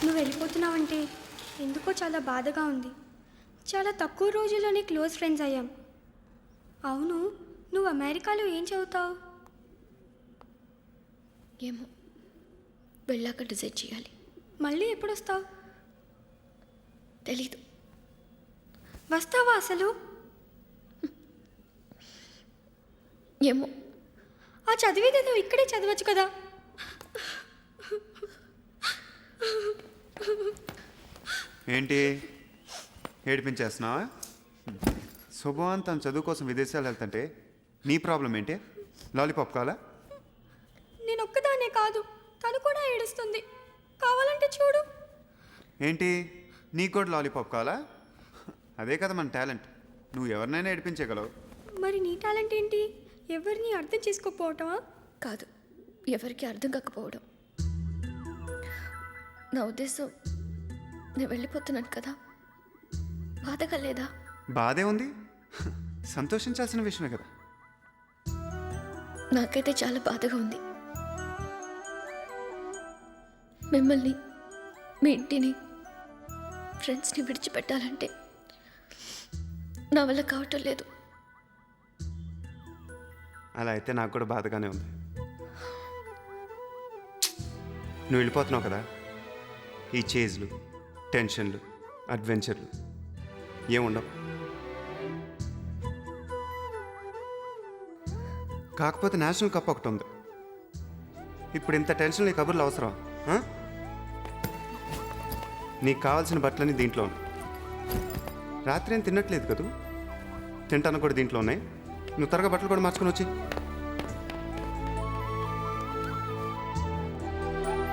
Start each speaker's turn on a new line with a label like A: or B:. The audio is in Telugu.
A: నువ్వు వెళ్ళిపోతున్నావంటే ఎందుకో చాలా బాధగా ఉంది. చాలా తక్కువ రోజుల్లోనే క్లోజ్ ఫ్రెండ్స్ అయ్యాం. అవును, నువ్వు అమెరికాలో ఏం చదువుతావు?
B: ఏమో, వెళ్ళాక డిసైడ్ చేయాలి.
A: మళ్ళీ ఎప్పుడు వస్తావు?
B: తెలీదు.
A: వస్తావా అసలు?
B: ఏమో.
A: ఆ చదివేదేదో ఇక్కడే చదవచ్చు కదా.
C: ఏంటి ఏడిపించేస్తున్నావా? శుభవాన్ తన చదువు కోసం విదేశాలు వెళ్తుంటే నీ ప్రాబ్లం ఏంటి? లాలీపాప్ కావాలా?
A: నేను ఒక్కదానే కాదు, తను కూడా ఏడుస్తుంది. కావాలంటే చూడు.
C: ఏంటి నీకు కూడా లాలీపాప్ కావాలా? అదే కదా మన టాలెంట్. నువ్వు ఎవరినైనా ఏడిపించగలవు.
A: మరి నీ టాలెంట్ ఏంటి? ఎవరిని అర్థం చేసుకోకపోవటమా?
B: కాదు, ఎవరికి అర్థం కాకపోవడం. నా ఉద్దేశం, నేను వెళ్ళిపోతున్నాను కదా, బాధగా లేదా?
C: బాధే ఉంది, సంతోషించాల్సిన విషయమే కదా.
B: నాకైతే చాలా బాధగా ఉంది. మిమ్మల్ని, మీ ఇంటిని, ఫ్రెండ్స్ని విడిచిపెట్టాలంటే నా వల్ల కావటం లేదు.
C: అలా అయితే నాకు కూడా బాధగానే ఉంది. నువ్వు వెళ్ళిపోతున్నావు కదా, ఈ చేజ్లు, టెన్షన్లు, అడ్వెంచర్లు ఏముండవు. కాకపోతే నేషనల్ కప్ ఒకటి ఉంది. ఇప్పుడు ఇంత టెన్షన్ నీ కబుర్లు అవసరం? నీకు కావాల్సిన బట్టలన్నీ దీంట్లో ఉన్నాయి. రాత్రి ఏం తినట్లేదు కదా, తింటాను కూడా దీంట్లో ఉన్నాయి. నువ్వు త్వరగా బట్టలు కూడా మార్చుకొని వచ్చి